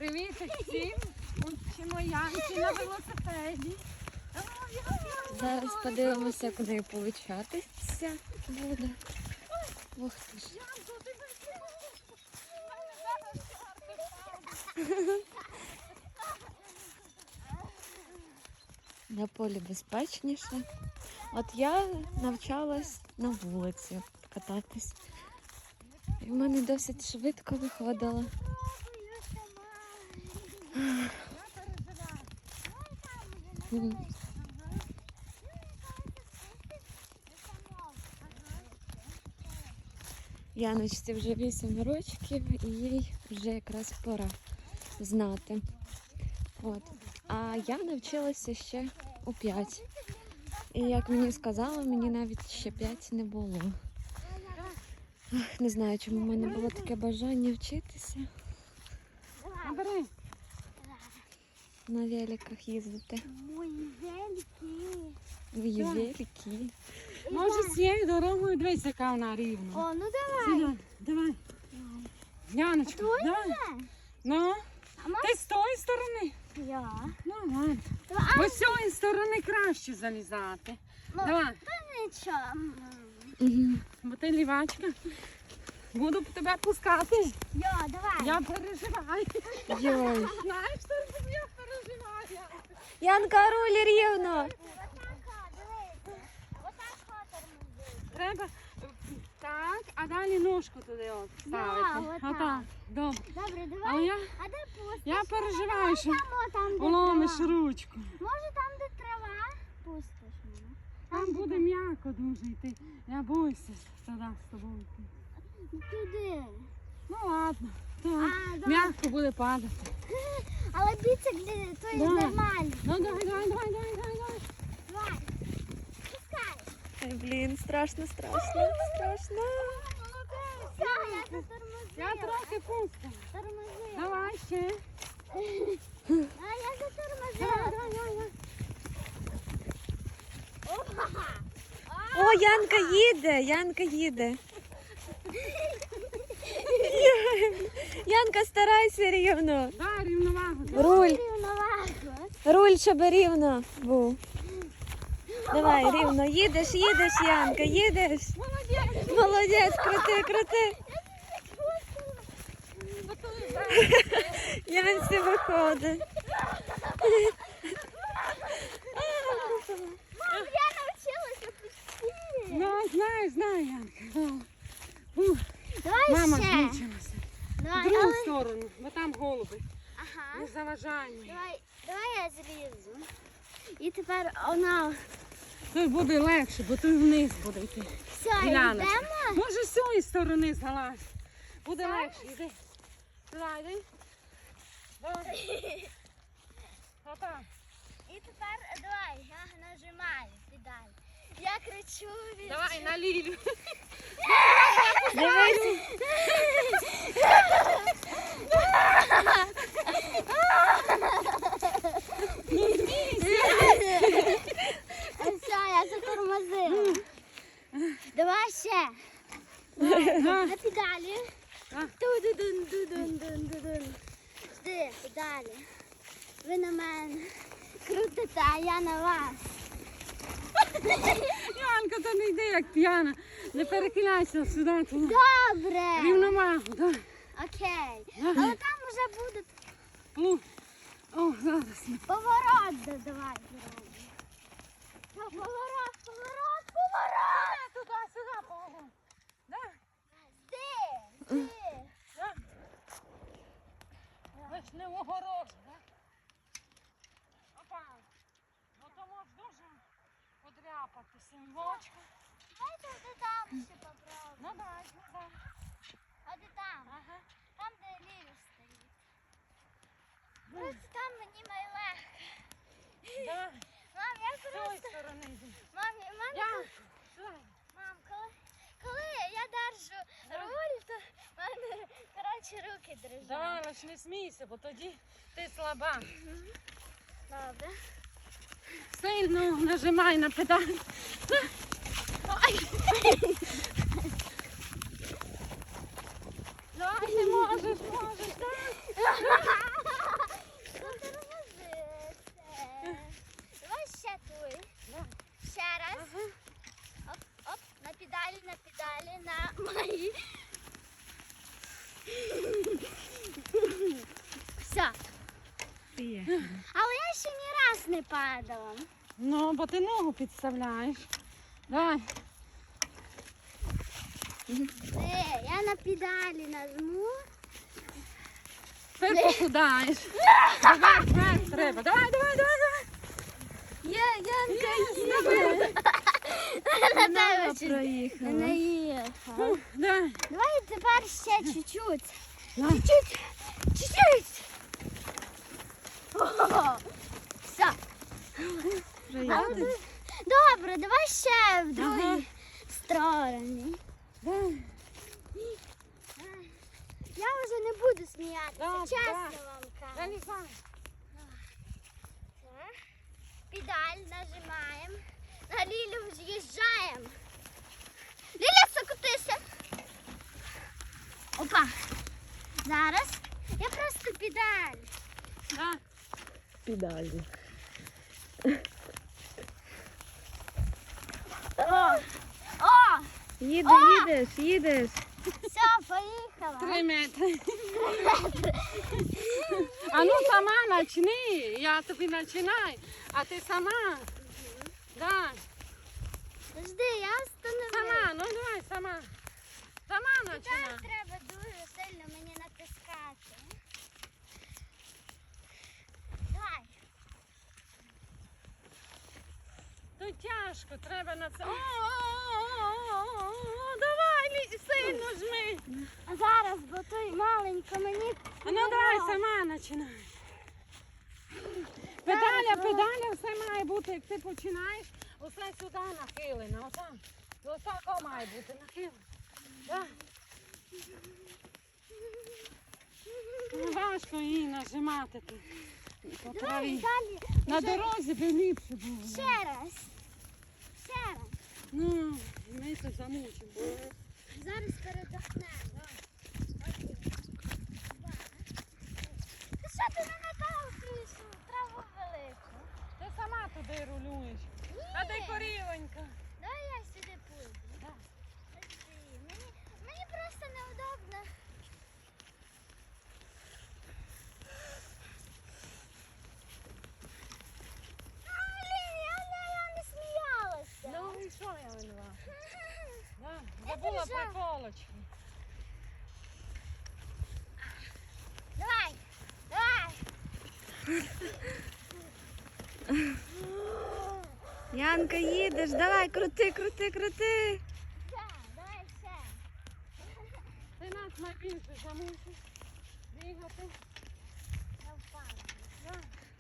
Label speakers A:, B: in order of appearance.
A: Привіт всім! Учимо Янки на велосипеді.
B: Зараз подивимося, куди получатися буде. Ух ти ж. На полі безпечніше. От я навчалась на вулиці кататись. І в мене досить швидко виходило. Яночці вже 8 років і їй вже якраз пора знати. От. А я навчилася ще у 5. І як мені сказали, мені навіть ще 5 не було. Не знаю, чому в мене було таке бажання вчитися. На великах їздити.
C: Мої великі.
B: Мої великі.
A: Може з цією дорогою дивись, яка вона рівна.
C: О, ну давай.
A: Сюди, давай. Яночка, давай. Ну, ти з тої сторони?
C: Я.
A: Ну, ладно. Бо з цієї сторони краще залізати.
C: Ну,
A: Давай.
C: та нічого.
A: Бо ти лівачка. Буду тебе пускати.
C: Я, давай.
A: Я переживаю.
B: Йой.
A: Знаєш, що я переживаю?
B: Янка, руль рівно.
A: Треба так, а далі ножку туди от ставити.
C: отак.
A: Отак. Добре.
C: Добре, давай.
A: Але
C: А де пустиш?
A: я переживаю, що
C: Там, де
A: уломиш
C: трава.
A: ручку.
C: Може там, де трава? Пустиш мене.
A: Там буде м'яко дуже йти. Я боюся туди з тобою йти.
C: Туди.
A: Ну ладно. Так.
C: А,
A: М'яко буде падати.
C: Але біцик то є
A: Да.
C: нормально.
A: Ну давай.
C: Давай. Пускай.
B: Ой, блін, страшно.
C: Все, я затормозила.
A: Я трохи пустила.
C: Тормозила.
A: Давай ще.
C: А я затормозила.
A: Давай.
C: Опа.
B: О, Янка їде. Янка, старайся рівно.
A: Дай рівновагу.
B: Руль,
C: Рівновагу.
B: щоб рівно був. Давай, рівно. Їдеш, Янка, їдеш. Молодець, крути. Янці виходить.
C: Мам, я навчилася почти.
A: Ну, знаю, Янка.
C: Давай
A: Мама
C: ще.
A: змучилася. В
C: Давай,
A: другу
C: але...
A: сторону, бо там голуби.
C: Ага.
A: Не заважай мені.
C: Давай я злізу. І тепер вона...
A: Тут буде легше, бо тут вниз буде йти.
C: Все,
A: Діляночка.
C: йдемо.
A: Може з цієї сторони залазь. Буде легше, йди. Сюди, йди. Давай. Отак.
C: І тепер давай, я нажимаю педаль. Я кричу від...
A: Давай на Лілю.
B: Дивись.
C: Все, я затормозила. Давай ще. На педалі. Ту-ду-дун-ду-дун-дун-дун. Жди, педалі. Ви на мене крутите, а я на вас.
A: Янка, то не йди як п'яна. Не перекиляйся сюди. Туди.
C: Добре.
A: Рівновагу, так.
C: Окей. Але там вже буде
A: О, зараз.
C: поворот. Давай. Поворот.
A: Туди-сюди поворот.
C: Жди.
A: Лиш не в огорожу, так? Опа. Ну то можеш дуже подряпатися. Вочка.
C: Давайте ти там ще попробуй.
A: Ну дай.
C: А ти там?
A: Ага.
C: Там, де Лілі стоїть. Просто там мені найлегше.
A: Да.
C: Мам, я
A: З цієї
C: просто...
A: сторони йди.
C: Мам,
A: Янка, сюди.
C: Мам, коли я держу руль, то в мене, коротше, руки дрижать.
A: Давай, лиш не смійся, бо тоді ти слаба.
C: Добре.
A: Сильно нажимай на педаль. Давай, ти можеш, так? Приїхали.
C: Але я ще ні раз не падала.
A: Ну, бо ти ногу підставляєш. Давай.
C: Я на педалі нажму.
A: Ти похудаєш. Давай, вверх треба. Давай, давай, давай, давай.
C: На тебе чуть
B: Проїхала.
C: не їхав.
A: Давай.
C: Давай тепер ще чуть-чуть.
A: Давай.
C: Чуть-чуть. Чуть-чуть. О, все.
B: Проїхала.
C: Добре, давай ще в другій
A: Ага.
C: стороні.
A: Давай.
C: Я вже не буду сміятися,
A: Добре,
C: чесно
A: давай.
C: вам кажу.
A: Залізай.
C: Так. Педаль нажимаємо. На Лілю з'їжджаємо. Ліля, закотися. Опа. Зараз я просто педаль.
A: Да.
B: Педалі.
C: О! О!
B: Їдеш.
C: Все, поїхала.
A: 3 метри. А ну сама почни. Я тобі починаю. А ти сама. Да.
C: Подожди, я встановлю.
A: Сама, ну давай, сама. Сама
C: Тепер
A: починай.
C: треба дуже сильно мені натискати. Давай.
A: Тут тяжко, треба на це. Давай, сильно жми.
C: А зараз, бо той маленько мені.
A: А ну давай, сама починай. Педаля, все має бути, як ти починаєш, усе сюди нахилено, отам. До такого має бути нахилено. Да. Важко її нажимати тут. По
C: Давай
A: траві.
C: далі.
A: На дорозі би ліпше було.
C: Ще раз. Ще раз.
A: Ну, ми це замучимо.
C: Зараз передохнемо. Ти що ти не метав крішу? Траву велику.
A: Ти сама туди рулюєш. А ти корівонька.
C: Давай я сюди пойду.
A: Так.
C: Подожди, мені просто неудобно. Я не сміялася.
A: Ну і що я винувала? Да.
C: Я
A: Забула
C: держала.
A: приколочки.
C: Давай, давай.
B: Янка, їдеш, давай, крути.
C: Ще, давай ще.
A: Ти нас найбільше замусиш бігати.
C: Я впала.
A: Да.